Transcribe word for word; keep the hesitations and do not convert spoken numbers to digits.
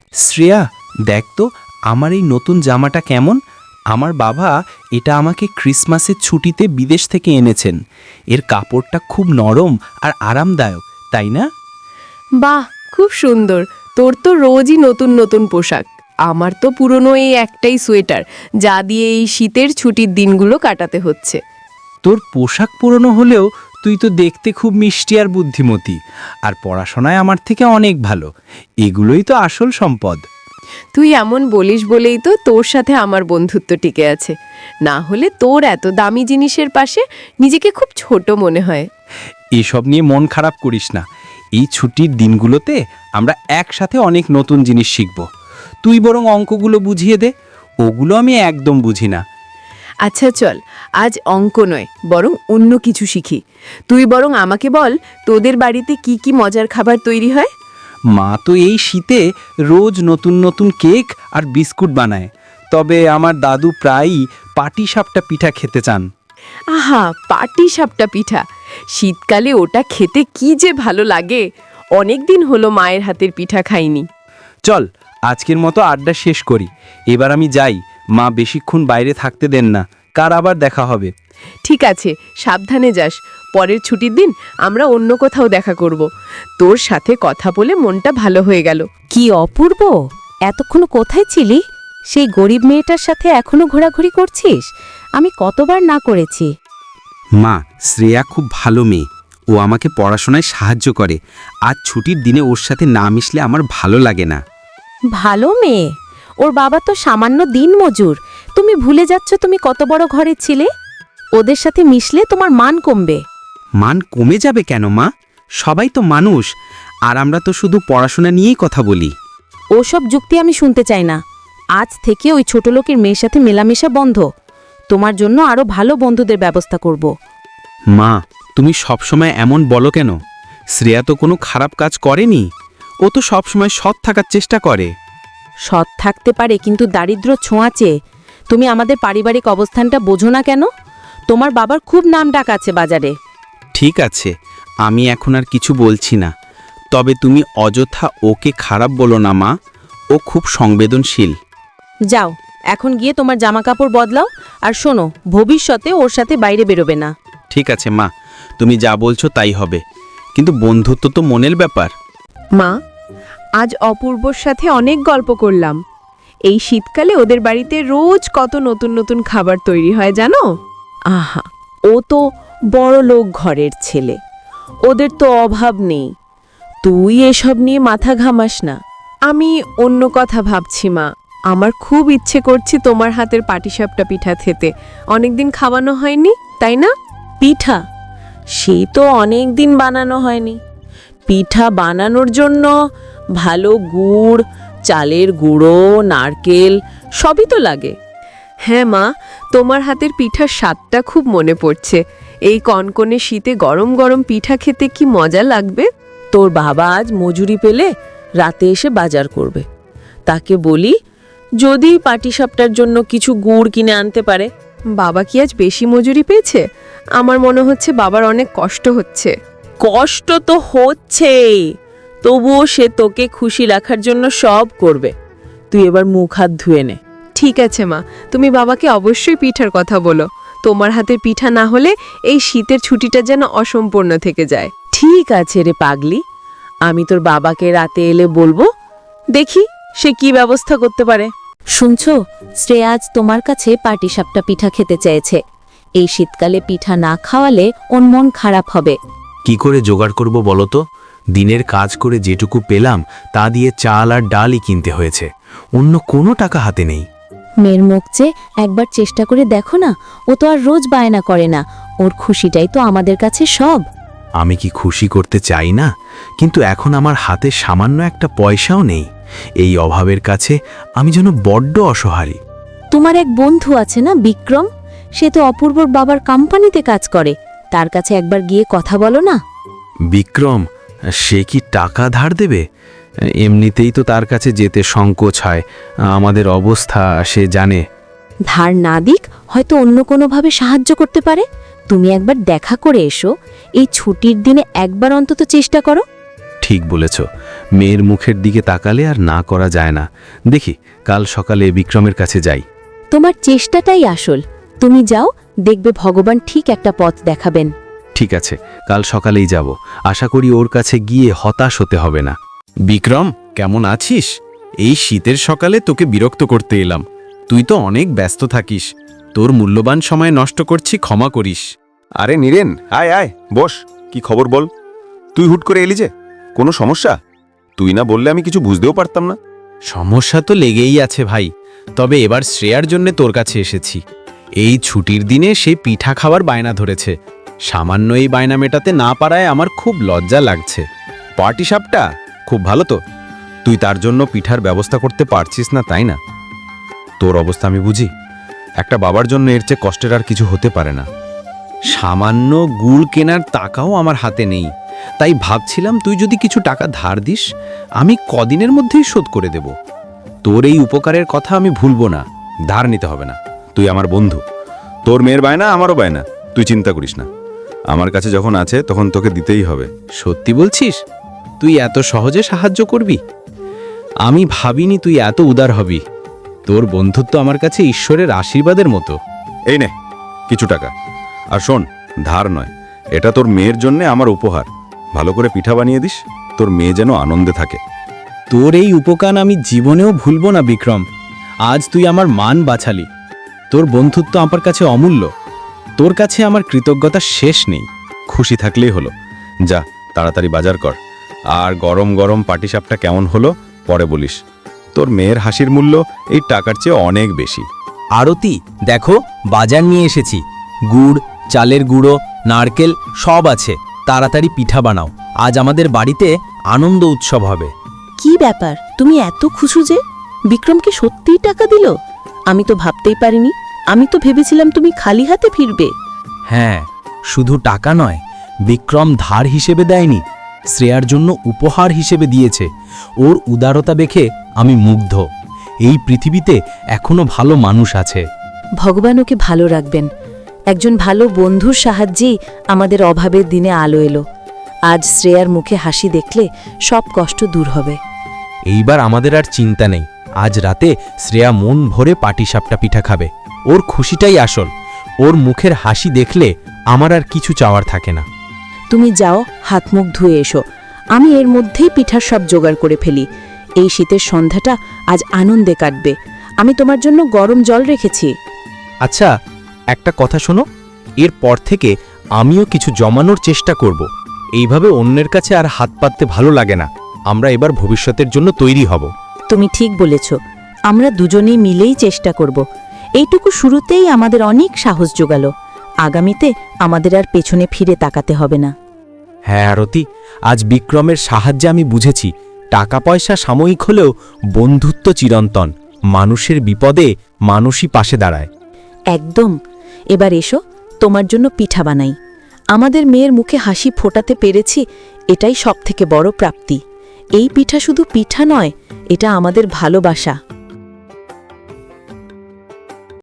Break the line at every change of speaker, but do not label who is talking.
শ্রেয়া, দেখ তো আমার এই নতুন জামাটা কেমন। আমার বাবা এটা আমাকে ক্রিসমাসের ছুটিতে বিদেশ থেকে এনেছেন। এর কাপড়টা খুব নরম আর আরামদায়ক, তাই না?
বাহ, খুব সুন্দর। তোর তো রোজই নতুন নতুন পোশাক। আমার তো পুরনো এই একটাই সোয়েটার, যা দিয়ে এই শীতের ছুটির দিনগুলো কাটাতে হচ্ছে।
তোর পোশাক পুরনো হলেও তুই তো দেখতে খুব মিষ্টি আর বুদ্ধিমতী, আর পড়াশোনায় আমার থেকে অনেক ভালো। এগুলোই তো আসল সম্পদ।
তুই এমন বলিস বলেই তো তোর সাথে আমার বন্ধুত্ব টিকে আছে। না হলে তোর এত দামি জিনিসের পাশে নিজেকে খুব ছোট মনে হয়।
এসব নিয়ে মন খারাপ করিস না। এই ছুটির দিনগুলোতে আমরা একসাথে অনেক নতুন জিনিস শিখব। তুই বরং অঙ্কগুলো বুঝিয়ে দে, ওগুলো আমি একদম বুঝি না।
আচ্ছা চল, আজ অঙ্ক নয় বরং অন্য কিছু শিখি। তুই বরং আমাকে বল, তোদের বাড়িতে কি কি মজার খাবার তৈরি হয়?
মা তো এই শীতে রোজ নতুন নতুন কেক আর বিস্কুট বানায়, তবে আমার দাদু প্রায়ই পাটিসাপটা পিঠা খেতে চান।
আহা, পাটি সাপটা পিঠা! শীতকালে ওটা খেতে কি যে ভালো লাগে। অনেক দিন হলো মায়ের হাতের পিঠা খাইনি।
চল আজকের মতো আড্ডা শেষ করি, এবার আমি যাই। মা বেশিক্ষণ বাইরে থাকতে দেন না, কার আবার দেখা হবে।
ঠিক আছে, সাবধানে যাস। পরের ছুটির দিন আমরা অন্য কোথাও দেখা করব। তোর সাথে কথা বলে মনটা ভালো হয়ে গেল।
কি অপূর্ব! এতক্ষণ কোথায় ছিলি? সেই গরিব মেয়েটার সাথে এখনো ঘোরাঘুরি করছিস? আমি কতবার না করেছি।
মা, শ্রেয়া খুব ভালো মেয়ে, ও আমাকে পড়াশোনায় সাহায্য করে। আজ ছুটির দিনে ওর সাথে না মিশলে আমার ভালো লাগে না।
ভালো মেয়ে? ওর বাবা তো সামান্য দিনমজুর। তুমি ভুলে যাচ্ছ তুমি কত বড় ঘরে ছিলে। ওদের সাথে মিশলে তোমার মান কমবে।
মান কমে যাবে কেন মা? সবাই তো মানুষ, আর আমরা তো শুধু পড়াশোনা নিয়েই কথা বলি।
ওসব যুক্তি আমি শুনতে চাই না। আজ থেকে ওই ছোট লোকের মেয়ের সাথে মেলামেশা বন্ধ। তোমার জন্য আরো ভালো বন্ধুদের ব্যবস্থা করব।
মা, তুমি সবসময় এমন বলো কেন? শ্রেয়া তো কোনো খারাপ কাজ করেনি। ও তো সবসময় সৎ থাকার চেষ্টা করে।
সৎ থাকতে পারে, কিন্তু দারিদ্র্য ছোঁয়াচে। তুমি আমাদের পারিবারিক অবস্থানটা বোঝো না কেন? তোমার বাবার খুব নাম ডাক আছে বাজারে।
ঠিক আছে, আমি এখন আর কিছু বলছি না। তবে তুমি অযথা ওকে খারাপ বলো না মা, ও খুব সংবেদনশীল।
যাও, এখন গিয়ে তোমার জামা কাপড় বদলাও। আর শোনো, ভবিষ্যতে ওর সাথে বাইরে বেরোবে না।
ঠিক আছে মা, তুমি যা বলছো তাই হবে, কিন্তু বন্ধুত্ব তো মনের ব্যাপার।
মা, আজ অপূর্বর সাথে অনেক গল্প করলাম। এই শীতকালে ওদের বাড়িতে রোজ কত নতুন নতুন খাবার তৈরি হয় জানো?
আহা, ও তো বড় লোক ঘরের ছেলে, ওদের তো অভাব নেই। তুই এসব নিয়ে মাথা ঘামাস না।
আমি অন্য কথা ভাবছি মা। আমার খুব ইচ্ছে করছে তোমার হাতের পাটিসাপটা পিঠা খেতে। অনেকদিন খাওয়ানো হয়নি, তাই না?
পিঠা? সে তো অনেক দিন বানানো হয়নি। পিঠা বানানোর জন্য ভালো গুড়, চালের গুঁড়ো, নারকেল সবই তো লাগে।
হ্যাঁ মা, তোমার হাতের পিঠার স্বাদটা খুব মনে পড়ছে। এই কনকনে শীতে গরম গরম পিঠা খেতে কি মজা লাগবে।
তোর বাবা আজ মজুরি পেলে রাতে এসে বাজার করবে। তাকে বলি যদি পাটিসাপটার জন্য কিছু গুড় কিনে আনতে পারে।
বাবা কি আজ বেশি মজুরি পেয়েছে? আমার মনে হচ্ছে বাবার অনেক কষ্ট হচ্ছে।
কষ্ট তো হচ্ছেই, তবুও সে তোকে খুশি রাখার জন্য সব করবে। তুই এবার মুখ হাত ধুয়ে নে।
ঠিক আছে মা, তুমি বাবাকে অবশ্যই পিঠার কথা বলো। তোমার হাতের পিঠা না হলে এই শীতের ছুটিটা যেন অসম্পূর্ণ থেকে যায়।
ঠিক আছে রে পাগলি, আমি তোর বাবাকে রাতে এলে বলবো, দেখি সে কি ব্যবস্থা করতে পারে। শুনছো, শ্রেয়া আজ তোমার কাছে পাটিসাপটা পিঠা খেতে চেয়েছে। এই শীতকালে পিঠা না খাওয়ালে ওর মন খারাপ হবে।
কি করে জোগাড় করব বলো তো? দিনের কাজ করে যেটুকু পেলাম তা দিয়ে চাল আর ডালই কিনতে হয়েছে, অন্য কোনো টাকা হাতে নেই।
মেয়ের মুখ চেয়ে একবার চেষ্টা করে দেখো না। ও তো আর রোজ বায়না করে না। ওর খুশিটাই তো আমাদের কাছে সব।
আমি কি খুশি করতে চাই না? কিন্তু এখন আমার হাতে সামান্য একটা পয়সাও নেই। এই অভাবের কাছে আমি যেন বড্ড অসহায়।
তোমার এক বন্ধু আছে না, বিক্রম? সে তো অপূর্বর বাবার কোম্পানিতে কাজ করে। তার কাছে একবার গিয়ে কথা বলো না।
বিক্রম? সে কি টাকা ধার দেবে? এমনিতেই তো তার কাছে যেতে সংকোচ হয়। আমাদের অবস্থা সে জানে।
ধার না দিক, হয়তো অন্য কোনোভাবে সাহায্য করতে পারে। তুমি একবার দেখা করে এসো। এই ছুটির দিনে একবার অন্তত চেষ্টা করো।
ঠিক বলেছ, মেয়ের মুখের দিকে তাকালে আর না করা যায় না। দেখি কাল সকালে বিক্রমের কাছে যাই।
তোমার চেষ্টাটাই আসল। তুমি যাও, দেখবে ভগবান ঠিক একটা পথ দেখাবেন।
ঠিক আছে, কাল সকালেই যাব। আশা করি ওর কাছে গিয়ে হতাশ হতে হবে না। বিক্রম, কেমন আছিস? এই শীতের সকালে তোকে বিরক্ত করতে এলাম। তুই তো অনেক ব্যস্ত থাকিস, তোর মূল্যবান সময় নষ্ট করছি, ক্ষমা করিস।
আরে নীরেন, আয় আয় বস। কি খবর বল? তুই হুট করে এলি যে, কোনো সমস্যা? তুই না বললে আমি কিছু বুঝতেও পারতাম না।
সমস্যা তো লেগেই আছে ভাই, তবে এবার শ্রেয়ার জন্য তোর কাছে এসেছি। এই ছুটির দিনে সে পিঠা খাওয়ার বায়না ধরেছে। সামান্য এই বায়না মেটাতে না পারায় আমার খুব লজ্জা লাগছে।
পার্টি সাপটা খুব ভালো তো। তুই তার জন্য পিঠার ব্যবস্থা করতে পারছিস না, তাই না? তোর অবস্থা আমি বুঝি। একটা বাবার জন্য এর চেয়ে কষ্টের আর কিছু হতে পারে না।
সামান্য গুড় কেনার টাকাও আমার হাতে নেই, তাই ভাবছিলাম তুই যদি কিছু টাকা ধার দিস, আমি কদিনের মধ্যেই শোধ করে দেব। তোর এই উপকারের কথা আমি ভুলবো না।
ধার নিতে হবে না, তুই আমার বন্ধু। তোর মেয়ের বায়না আমারও বায়না, তুই চিন্তা করিস না। আমার কাছে যখন আছে তখন তোকে দিতেই হবে।
সত্যি বলছিস? তুই এত সহজে সাহায্য করবি? আমি ভাবিনি তুই এত উদার হবি। তোর বন্ধুত্ব আমার কাছে ঈশ্বরের আশীর্বাদের মতো।
এই নে কিছু টাকা। আর শোন, ধার নয়, এটা তোর মেয়ের জন্য আমার উপহার। ভালো করে পিঠা বানিয়ে দিস, তোর মেয়ে যেন আনন্দে থাকে।
তোর এই উপকার আমি জীবনেও ভুলবো না বিক্রম। আজ তুই আমার মান বাঁচালি। তোর বন্ধুত্ব আমার কাছে অমূল্য। তোর কাছে আমার কৃতজ্ঞতা শেষ নেই।
খুশি থাকলেই হলো। যা তাড়াতাড়ি বাজার কর। আর গরম গরম পাটিসাপটা কেমন হলো পরে বলিস। তোর মেয়ের হাসির মূল্য এই টাকার চেয়ে অনেক বেশি।
আরতি, দেখো বাজার নিয়ে এসেছি। গুড়, চালের গুঁড়ো, নারকেল সব আছে। তাড়াতাড়ি পিঠা বানাও, আজ আমাদের বাড়িতে আনন্দ উৎসব হবে।
কি ব্যাপার, তুমি এত খুশি যে? বিক্রমকে সত্যিই টাকা দিল? আমি তো ভাবতেই পারিনি। আমি তো ভেবেছিলাম তুমি খালি হাতে ফিরবে।
হ্যাঁ, শুধু টাকা নয়, বিক্রম ধার হিসেবে দেয়নি, শ্রেয়ার জন্য উপহার হিসেবে দিয়েছে। ওর উদারতা দেখে আমি মুগ্ধ। এই পৃথিবীতে এখনো ভালো মানুষ আছে।
ভগবান ওকে ভালো রাখবেন। একজন ভালো বন্ধুর সাহায্যেই আমাদের অভাবের দিনে আলো এলো। আজ শ্রেয়ার মুখে হাসি দেখলে সব কষ্ট দূর হবে।
এইবার আমাদের আর চিন্তা নেই। আজ রাতে শ্রেয়া মন ভরে পাটিসাপটা পিঠা খাবে। ওর খুশিটাই আসল। ওর মুখের হাসি দেখলে আমার আর কিছু চাওয়ার থাকে না।
তুমি যাও, হাত মুখ ধুয়ে এসো। আমি এর মধ্যেই পিঠার সব জোগাড় করে ফেলি। এই শীতের সন্ধ্যাটা আজ আনন্দে কাটবে। আমি তোমার জন্য গরম জল রেখেছি।
আচ্ছা, একটা কথা শোনো, এরপর থেকে আমিও কিছু জমানোর চেষ্টা করব। এইভাবে অন্যের কাছে আর হাত পাততে ভালো লাগে না। আমরা এবার ভবিষ্যতের জন্য তৈরি হব।
তুমি ঠিক বলেছ। আমরা দুজনেই মিলেই চেষ্টা করব। এইটুকু শুরুতেই আমাদের অনেক সাহস জোগালো। আগামীতে আমাদের আর পেছনে ফিরে তাকাতে হবে না।
হ্যাঁ আরতি, আজ বিক্রমের সাহায্যে আমি বুঝেছি টাকা পয়সা সাময়িক হলেও বন্ধুত্ব চিরন্তন। মানুষের বিপদে মানুষই পাশে দাঁড়ায়।
একদম। এবার এসো, তোমার জন্য পিঠা বানাই। আমাদের মেয়ের মুখে হাসি ফোটাতে পেরেছি, এটাই সবথেকে বড় প্রাপ্তি। এই পিঠা শুধু পিঠা নয়, এটা আমাদের ভালোবাসা।